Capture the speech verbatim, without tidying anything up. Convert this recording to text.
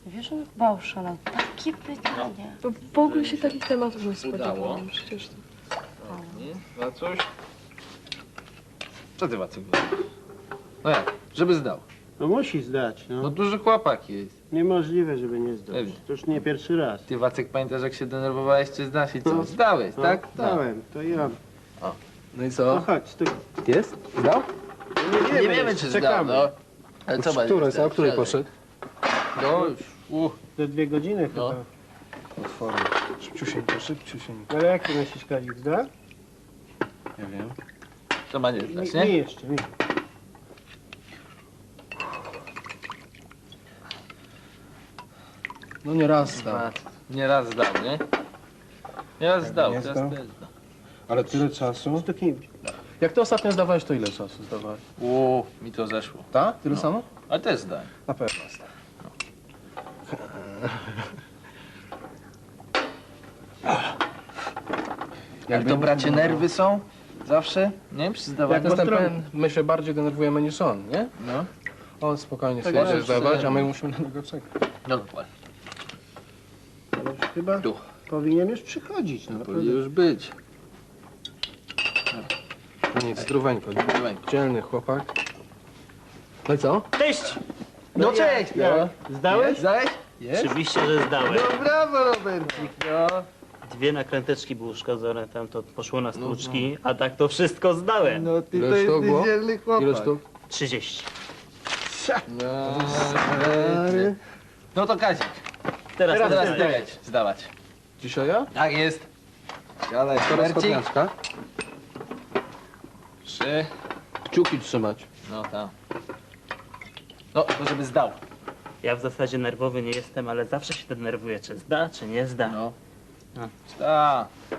Wiesz, on bał szalał. Takie pytania. Bo w ogóle się takich tematów nie Udało. spodziewałam. Przecież to... Nie? Na coś? Co ty, Wacek? No jak? Żeby zdał. No musi zdać, no. No duży chłopak jest. Niemożliwe, żeby nie zdać. Pewnie. To już nie pierwszy raz. Ty, Wacek, pamiętasz, jak się denerwowałeś, czy znasz i co? No. Zdałeś, No, tak? Dałem, to ja. No i No co? chodź, to Jest? Zdał? nie Nie wiemy, czy zdał, czekamy. no. Ale co będzie? Której, a o której poszedł? No już. Uh. Za dwie godziny No. chyba. Otworzę. Szybciusieńko, szybciusieńko. Ale jak ty myślisz, Kazik, zda? Nie wiem. To ma nie Nie, zdać, nie nie? jeszcze, nie. No nie raz zdał. Nie raz zdał, nie? Nie raz zdał, nie teraz zdał? też zdał. Ale tyle czasu? Stuknij. Jak ty ostatnio zdawałeś, to ile czasu zdawałeś? Uuu, mi to zeszło. Tak? Tyle samo? Ale też zdałem. Na pewno zdał. Jak to, bracie, nerwy są? Zawsze? Nie? Przy Jak zdawaniu? jest ten stronę. pen, my się bardziej denerwujemy niż on, nie? No. On spokojnie Tak sobie jest, może zdawać, że- a my musimy na niego czekać. No dokładnie. Ale już chyba Tu. powinien już przychodzić, no. Powinien już być. No nic, zdróweńko. Zdróweńko. Dzielny chłopak. No i co? Cześć! No cześć! No. Zdałeś? Zdałeś? Jest? Oczywiście, że zdałem. No brawo, Robercik, no. Dwie nakręteczki były uszkodzone, tam to poszło na stłuczki, a tak to wszystko zdałem. No ty Ile to sztuk było? jesteś dzielny chłopak. Ile sztuk? trzydzieści. No, stary. No to Kazik, Teraz, teraz teraz ty leć zdawać. Dzisiaj ja? Tak jest. Siadaj, Teraz Robercik. kopniaczka. Trzy. Kciuki trzymać. No tam. No, to żeby zdał. Ja w zasadzie nerwowy nie jestem, ale zawsze się denerwuję, czy zda, czy nie zda. No. No. Zda.